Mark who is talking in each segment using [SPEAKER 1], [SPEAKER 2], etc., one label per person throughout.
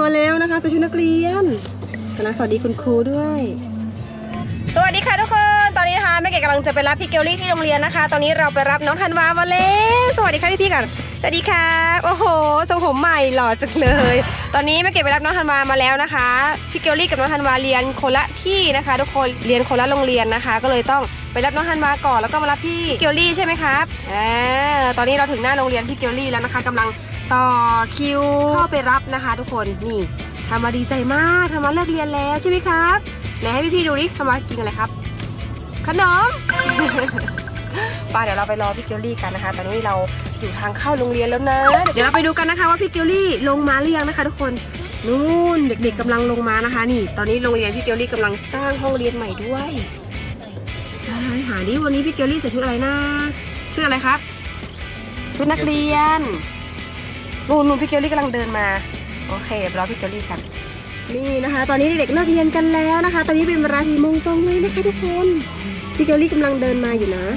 [SPEAKER 1] มาแล้วนะคะใส่ชุดนักเรียนคณะสวัสดีคุณครูด้วยสวัสดีค่ะทุกคนตอนนี้นะคะแม่เก๋กำลังจะไปรับพี่เกลลี่ที่โรงเรียนนะคะตอนนี้เราไปรับน้องธันวามาแล้วสวัสดีค่ะพี่ๆก่อนสวัสดีค่ะโอ้โหทรงผมใหม่หล่อจังเลยตอนนี้แม่เก๋ไปรับน้องธันวามาแล้วนะคะพี่เกลลี่กับน้องธันวาเรียนคนละที่นะคะทุกคนเรียนคนละโรงเรียนนะคะก็เลยต้องไปรับน้องธันวาก่อนแล้วก็มารับพี่เกลลี่ใช่ไหมครับตอนนี้เราถึงหน้าโรงเรียนพี่เกลลี่แล้วนะคะกำลังต่อคิวเข้าไปรับนะคะทุกคนนี่ทำมาดีใจมากทำมาเลิกเรียนแล้วใช่ไหมครับไหนให้พี่ๆดูดิทำมากินอะไรครับขนม ป่ะเดี๋ยวเราไปรอพี่เกลลี่กันนะคะตอนนี้เราอยู่ทางเข้าโรงเรียนแล้วนะเดี๋ยวเราไปดูกันนะคะว่าพี่เกลลี่ลงมาหรือยังนะคะทุกคนนู่นเด็กๆกำลังลงมานะคะนี่ตอนนี้โรงเรียนพี่เกลลี่กำลังสร้างห้องเรียนใหม่ด้วยหาดิวันนี้พี่เกลลี่ใส่ชุดอะไรนะชุดอะไรครับชุดนักเรียนนู่นพี่เกลลี่กำลังเดินมาโอเคเดี๋ยวรอพี่เกลลี่กันนี่นะคะตอนนี้เด็กๆเลิกเรียนกันแล้วนะคะตอนนี้เป็นเวลา4 โมงตรงเลยนะคะทุกคนพี่เกลลี่กำลังเดินมาอยู่นะ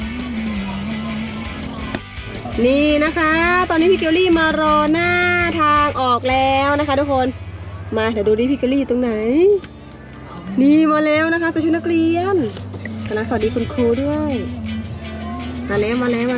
[SPEAKER 1] นี่นะคะตอนนี้พี่เกลลี่มารอหน้าทางออกแล้วนะคะทุกคนมาเดี๋ยวดูดิพี่เกลลี่อยู่ตรงไหนนี่มาแล้วนะคะใส่ชุดนักเรียนคณะสวัสดีคุณครูด้วยมาแล้ว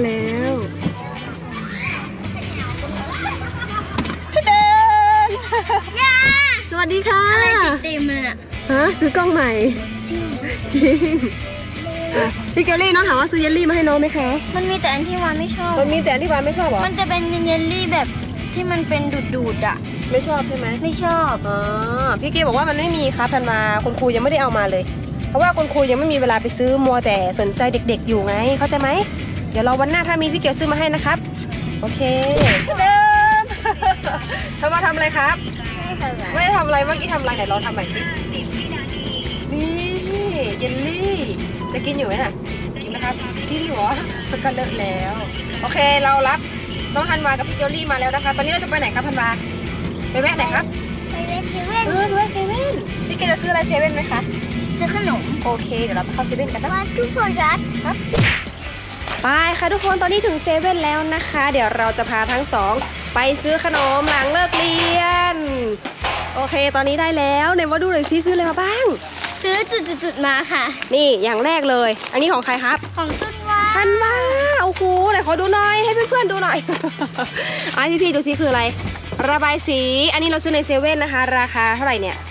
[SPEAKER 1] จะเดินสวัสดีค่ะอะไรติดเต็มเลยน่ะฮะซื้อกล้องใหม่จริงพี่เกลลี่น้องถามว่าซื้อเยลลี่มาให้น้องไหมคะ
[SPEAKER 2] มันมีแต่อันที่วานไม่ชอบ
[SPEAKER 1] มันมีแต่อันที่วานไม่ชอบเหรอ
[SPEAKER 2] มันจะเป็นเยลลี่แบบที่มันเป็นดูดอ่ะ
[SPEAKER 1] ไม่ชอบใช่ไหม
[SPEAKER 2] ไม่ชอบ
[SPEAKER 1] พี่เกลบอกว่ามันไม่มีครับทันมาคุณครูยังไม่ได้เอามาเลยเพราะว่าคุณครูยังไม่มีเวลาไปซื้อมัวแต่สนใจเด็กๆอยู่ไงเข้าใจไหมเดี๋ยวรอวันหน้าถ้ามีพี่เกลซื้อมาให้นะครับโอเคเดิมทำมาทำอะไรครับไม่ได้ทำอะไรเมื่อกี้ทำอะไรไหนลองทำใหม่สินี่เยลลี่จะกินอยู่ไหมน่ะกินนะครับกินอยู่เหรอมันก็เลอะแล้วโอเคเรารับน้องธันวากับพี่เกลลี่มาแล้วนะคะตอนนี้เราจะไปไหนครับธันวาไปแวะไหนครับ
[SPEAKER 2] ไปเซเว่น
[SPEAKER 1] ด้วยเซเว่นพี่เกลจะซื้ออะไรเซเว่นไหมคะ
[SPEAKER 2] ซื้อขนม
[SPEAKER 1] โอเคเดี๋ยวเราไปเข้าเซเว่นกันนะ
[SPEAKER 2] ทุกคนครับ
[SPEAKER 1] ไปค่ะทุกคนตอนนี้ถึงเซเว่นแล้วนะคะเดี๋ยวเราจะพาทั้งสองไปซื้อขนมหลังเลิกเรียนโอเคตอนนี้ได้แล้วไหนมาดูหน่อยซิซื้ออะไรมาบ้าง
[SPEAKER 2] ซื้อจุดมาค่ะ
[SPEAKER 1] นี่อย่างแรกเลยอันนี้ของใครครับ
[SPEAKER 2] ของธันวา
[SPEAKER 1] โอ้โหไหนขอดูหน่อยให้เพื่อนๆดูหน่อยอ่ะพี่ๆดูซิคืออะไรระบายสีอันนี้เราซื้อในเซเว่นนะคะราคาเท่าไหร่เนี่ย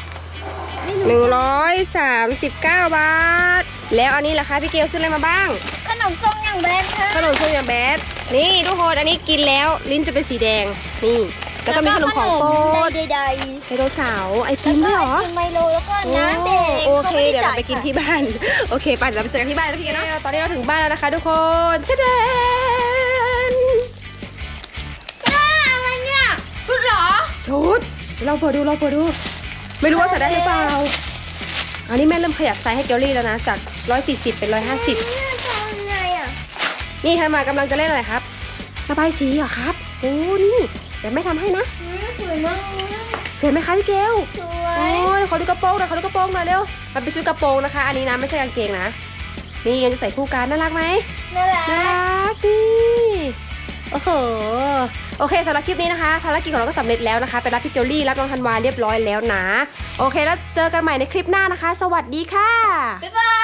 [SPEAKER 1] 139 บาทแล้วอันนี้ล่ะคะพี่เกลซื้ออะไรมาบ้าง
[SPEAKER 2] ขนมส้มอย่างแบดค่ะ
[SPEAKER 1] ขนมส้มอย่างแบดนี่ทุกคนอันนี้กินแล้วลิ้นจะเป็นสีแดงนี่แล้วก็มีขนมของโปรดไดโนเสาร์ไอติมด้วยเหรอ
[SPEAKER 2] ไมโลแล้วก็น้ำแดง
[SPEAKER 1] โอเคเดี๋ยวเราไปกินที่บ้านโอเคไปเดี๋ยวเราไปเจอกันที่บ้านแล้วพี่เกลเนาะตอนนี้เราถึงบ้านแล้วนะคะทุกคนจะเดิน
[SPEAKER 2] อะไรเนี่ยชุดเหรอ
[SPEAKER 1] ชุดเราเปิดดูไม่รู้ว่าใส่ได้หรือเปล่าอันนี้แม่เริ่มขยับไซส์ให้เกลลี่แล้วนะจาก140เป็น150นี่ทำมากำลังจะเล่นอะไรครับระบายสีเหรอครับโอ้นี่เดี๋ยวแม่ทำให้นะ
[SPEAKER 2] สวยมาก
[SPEAKER 1] สวยไหมคะพี่เกล
[SPEAKER 2] สวย
[SPEAKER 1] โอ้ยขอดูกระโปรงหน่อยเร็วมันเป็นชุดกระโปรงนะคะอันนี้นะไม่ใช่กางเกงนะนี่ยังจะใส่คู่กันน่ารักไหม
[SPEAKER 2] น่ารั
[SPEAKER 1] กนี่โอ้โหโอเคสำหรับคลิปนี้นะคะภารกิจของเราก็สำเร็จแล้วนะคะไปรับพี่เกลลี่รับน้องธันวาเรียบร้อยแล้วนะโอเคแล้วเจอกันใหม่ในคลิปหน้านะคะสวัสดีค่ะ
[SPEAKER 2] บ๊ายบาย